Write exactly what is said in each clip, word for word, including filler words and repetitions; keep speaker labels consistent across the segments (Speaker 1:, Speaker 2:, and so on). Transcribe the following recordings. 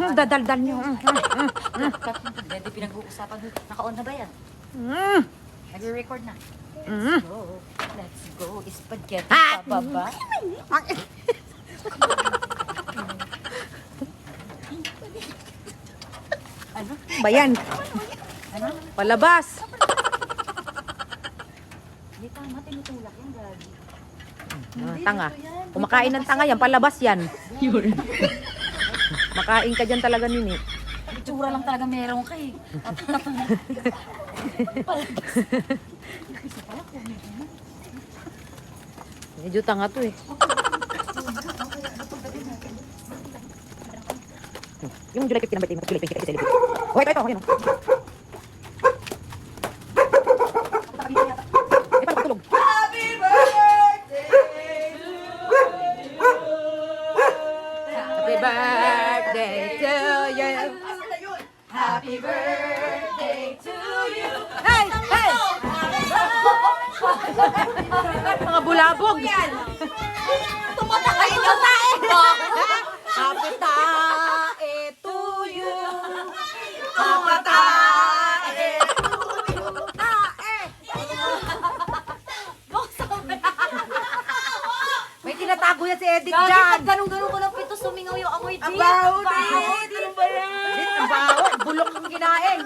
Speaker 1: yung dadaldal nyo.
Speaker 2: Hindi pinag-uusapan. Naka-on na ba yan?
Speaker 1: Mm.
Speaker 2: Nag-record na.
Speaker 1: Mm.
Speaker 2: Go. Let's go. Spaghetti
Speaker 1: Ah!
Speaker 2: pababa. Ano?
Speaker 1: Bayan.
Speaker 2: Ano?
Speaker 1: Palabas.
Speaker 2: Hindi tama, tinutulak yan, Gagi.
Speaker 1: Ah, tanga. Kumakain ng tanga yan, palabas yan. Makain ka dyan talaga nini.
Speaker 2: Itsura lang talaga meron ka eh.
Speaker 1: Medyo tanga to eh. Yung July fifteen number team, July twenty, celebrate. Oh, ito, ito, yun. Eh, paano patulog? Happy birthday to you.
Speaker 2: Happy birthday to you.
Speaker 1: Hey! Hey! Mga bulabog.
Speaker 2: Tumatakay ka tayo.
Speaker 1: Happy tae to you.
Speaker 2: Happy tae.
Speaker 1: May tinatago yan si Edith
Speaker 2: Gagi,
Speaker 1: dyan.
Speaker 2: pag ganun-ganun ko ng pito, sumingaw yung amoy din.
Speaker 1: Ang baho din. Ano ba yan? Ang baho. Bulok ng kinain.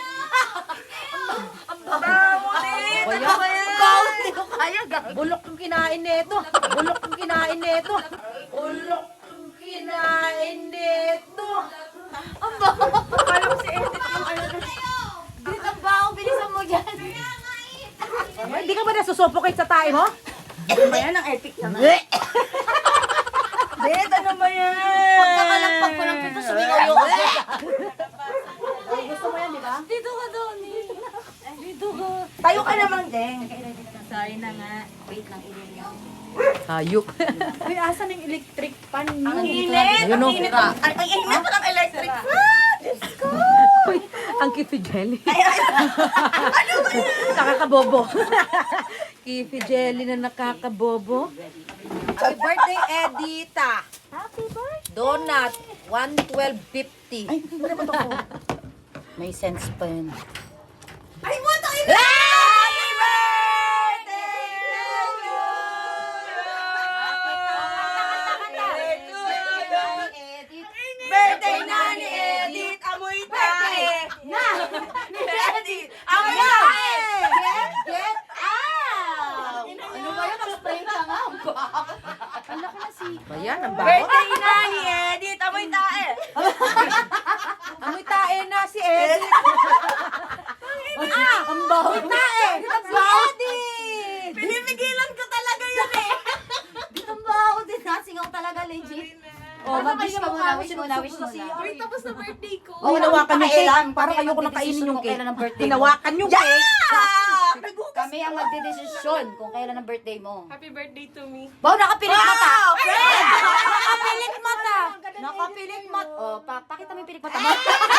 Speaker 2: Ang baho din.
Speaker 1: Ano ba yan?
Speaker 2: Baho din ko kaya, Gagi.
Speaker 1: Bulok ng kinain nito. Bulok ng kinain nito. Bulok ng kinain nito.
Speaker 2: Ang baho. Kala ko si Edith yung ano. Edith, ang baho. Bilisan mo yan.
Speaker 1: Ay, Hindi ka ba nasusuffocate sa tae mo?
Speaker 2: Ano ba yan? Ang epic naman.
Speaker 1: Edith, ano ba yan?
Speaker 2: Pagkakalagpag ko ng pito, sumingaw yung amoy.
Speaker 1: Ay, gusto mo yan, di ba?
Speaker 2: Dito ka doon eh. Dito ka.
Speaker 1: Tayo ka naman, Deng.
Speaker 2: Sorry na nga. Wait lang, ilin lang.
Speaker 1: Hayop.
Speaker 3: Uy, asan yung electric pan?
Speaker 2: Ang
Speaker 1: Ayun,
Speaker 2: init! Ang
Speaker 1: oh.
Speaker 2: init! Ang ang init ng electric fan! Diyos ko!
Speaker 1: Uy, ang Kifi Jelly. Nakakabobo. Kifi Jelly na nakakabobo. Happy birthday, Edita.
Speaker 2: Happy birthday!
Speaker 1: Donut, one twelve fifty.
Speaker 3: Ay, wala ba ito ko?
Speaker 2: May sense pa yun.
Speaker 3: Ay, mo ito!
Speaker 1: Happy birthday to you. Birthday na ni Edith. Amoy tae.
Speaker 2: Na!
Speaker 1: Ni Edith. Amoy tae.
Speaker 2: Get, get out! Ano ba yun? Nag-spray ka nga. Ang laki na si...
Speaker 1: Ayan, ang baho.
Speaker 3: Birthday na ni Edith! Amoy tae!
Speaker 1: Amoy tae na si Edith. Ah, ang baho tae. Ang baho din.
Speaker 3: Pinipigilan ko talaga yun eh!
Speaker 2: Dito ang baho din. Nasingaw talaga, legit. Oh, mag-wish ka muna, wish muna, wish muna.
Speaker 3: Uy, tapos na birthday ko!
Speaker 1: Oh, hinawakan yung
Speaker 2: Pakialam.
Speaker 1: cake. Parang
Speaker 2: Kami ang
Speaker 1: ayoko na kainin
Speaker 2: magdedesisyon
Speaker 1: yung
Speaker 2: kung
Speaker 1: cake.
Speaker 2: kailan ang birthday mo.
Speaker 1: Hinawakan yung cake.
Speaker 2: Kami ang magdedesisyon kung kailan ang birthday mo.
Speaker 3: Happy birthday to me!
Speaker 2: Wow, nakapilit mata!
Speaker 1: Fred!
Speaker 2: Nakapilit mata! Nakapilit mata! Oh, pa pakita mo yung pilik mata mo.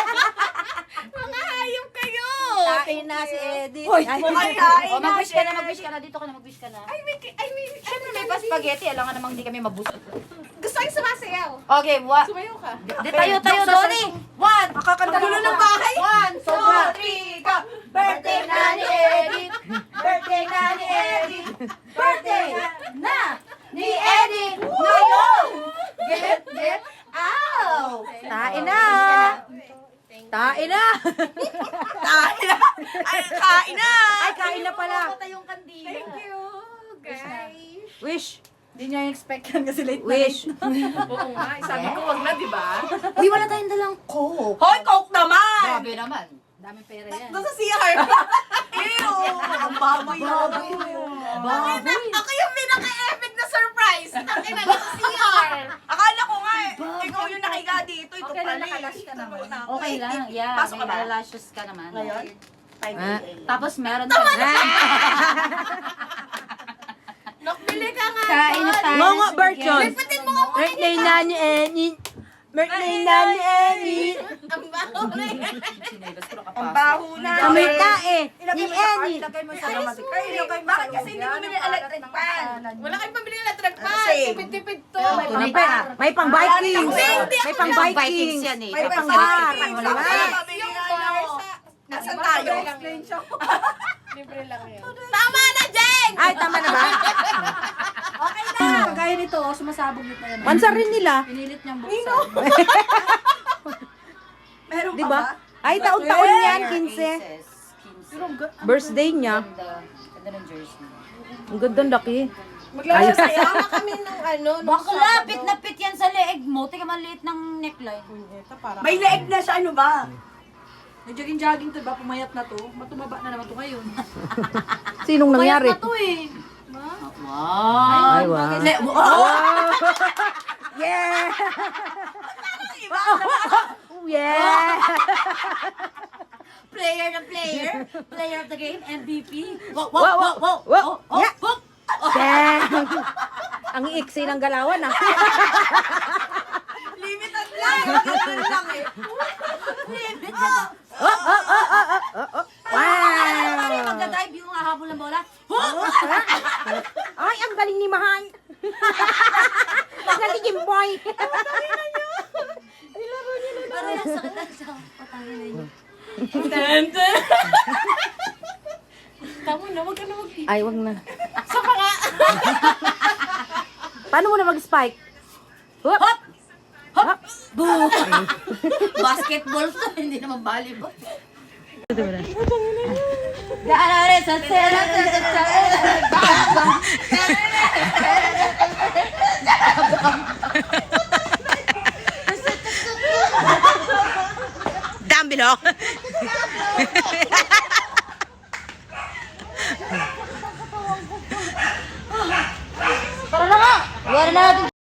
Speaker 3: Mga hayop kayo!
Speaker 1: Tae na si Edith.
Speaker 2: Hoy,
Speaker 1: Ay,
Speaker 3: Ay, ay,
Speaker 2: Oh, mag-wish ka na, mag-wish ka na. Dito ka na, mag-wish ka na.
Speaker 3: Ay, may... Ay, may...
Speaker 2: Siyempre may pa spaghetti, alam nga namang hindi kami mabusog.
Speaker 3: Gusto ko sumasayaw!
Speaker 2: Okay, wa...
Speaker 3: Sumayaw ka!
Speaker 2: Di tayo, tayo, Donnie! One!
Speaker 1: Nakakanta
Speaker 2: Gulo ng bahay! One, two, three, go! Birthday na ni Edith! Birthday na ni Edith! Birthday na ni Edith! Ngayon! Get, get out!
Speaker 1: Tae na. Tae na.
Speaker 3: Tayo na! Ay, kain na!
Speaker 1: Ay, kain na pala.
Speaker 2: yung kandila.
Speaker 3: Thank you, guys!
Speaker 1: Wish.
Speaker 2: Hindi niya expect yan kasi late
Speaker 1: Wish.
Speaker 3: Oo nga, sabi ko wag na, di ba?
Speaker 2: Uy, wala tayong dalang coke.
Speaker 3: Hoy, Coke naman!
Speaker 2: Grabe naman. Dami pera yan.
Speaker 3: Doon sa C R! Ew! Ang baboy na
Speaker 2: Baboy.
Speaker 3: Ako yung pinaka-epic na surprise! Takin na sa C R! Akala ko nga eh, ikaw yung nakahiga dito, ito
Speaker 2: Okay lang,
Speaker 3: pala eh.
Speaker 2: nakalash ka naman.
Speaker 3: Ito,
Speaker 2: Okay lang, yeah.
Speaker 3: Pasok ka
Speaker 2: May
Speaker 3: ba?
Speaker 2: eyelashes ka naman.
Speaker 3: Ngayon? five
Speaker 1: Ah.
Speaker 3: a m.
Speaker 2: Tapos meron ka.
Speaker 3: Nakbili ka nga!
Speaker 2: Kain na tayo.
Speaker 1: Ngongo version.
Speaker 3: Lipatin mo nga muna
Speaker 1: Birthday na ni Edith. Birthday na ni Eddie.
Speaker 3: Ang baho na yan.
Speaker 2: Ang baho na.
Speaker 1: Kami tae.
Speaker 2: Ilagay
Speaker 1: Ni
Speaker 2: mo sa card,
Speaker 1: Eddie.
Speaker 2: ilagay mo sa dramatic. Ay, ilagay mo
Speaker 3: Bakit
Speaker 2: sa
Speaker 3: kasi hindi
Speaker 2: lagyan,
Speaker 3: bumili
Speaker 2: ang
Speaker 3: electric
Speaker 2: kalat ng
Speaker 3: fan?
Speaker 2: pangalan mo.
Speaker 3: Wala kayong pambili ng electric fan.
Speaker 2: Same.
Speaker 3: Tipid-tipid to.
Speaker 1: May, pa, may pang Vikings. May pang Vikings.
Speaker 4: yan eh.
Speaker 1: May pang
Speaker 2: pang
Speaker 1: bar.
Speaker 2: Vikings.
Speaker 1: Wala ba?
Speaker 3: Yung to.
Speaker 2: Nasaan tayo?
Speaker 3: Explain siya. Libre lang yun. Tama na, Jen!
Speaker 1: Ay, tama na ba?
Speaker 2: Okay na. Kagaya nito, oh, sumasabog yun na yan.
Speaker 1: Pansar rin nila.
Speaker 2: Pinilit niyang buksan. Meron
Speaker 1: Di
Speaker 2: pa ba?
Speaker 1: ba? Ay, taon-taon yan, quince.
Speaker 2: Pero ang ga-
Speaker 1: Birthday niya.
Speaker 4: Ganda ng jersey.
Speaker 1: Ang ganda laki.
Speaker 3: Maglalaro sa'yo na kami ng ano. nung
Speaker 4: Bakla,
Speaker 3: Sabado.
Speaker 4: pit na pit yan sa leeg mo. Tika, maliit ng neckline.
Speaker 3: Ito para.
Speaker 2: May leeg na siya, ano ba? Nag-jogging-jogging to ba? Pumayat na to. Matumaba na naman to ngayon.
Speaker 1: Sinong nangyari?
Speaker 4: Mayat na to eh. Wow.
Speaker 1: Ay, wow.
Speaker 2: Le- oh!
Speaker 1: Yeah! Yeah!
Speaker 4: Player na player. Player of the game, M V P. Wow,
Speaker 1: Wow, wow,
Speaker 4: wow, wow,
Speaker 1: wow.
Speaker 4: wow. Oh,
Speaker 1: Yeah.
Speaker 4: oh.
Speaker 1: Dang! Ang iiksi ng galawan, ah.
Speaker 3: Limited lang. Limited lang eh.
Speaker 1: Oh, oh, oh, oh, oh, oh, oh.
Speaker 4: Ano yung
Speaker 1: Wow!
Speaker 4: magdadive yung hahabol ng bola?
Speaker 1: Ay, ang galing ni Mahay. Ang galing ni Boy.
Speaker 4: Pero yung sakit na siya. Patangin na yun.
Speaker 3: Tama na, wag ka na mag
Speaker 1: Ay, wag na.
Speaker 3: Sa panga.
Speaker 1: Paano mo na mag-spike? Hop!
Speaker 4: Hop! Hop! Boo! Basketball to, hindi naman volleyball. Gaano sa sera sa
Speaker 1: Down below.
Speaker 4: Tara na nga! Wala na natin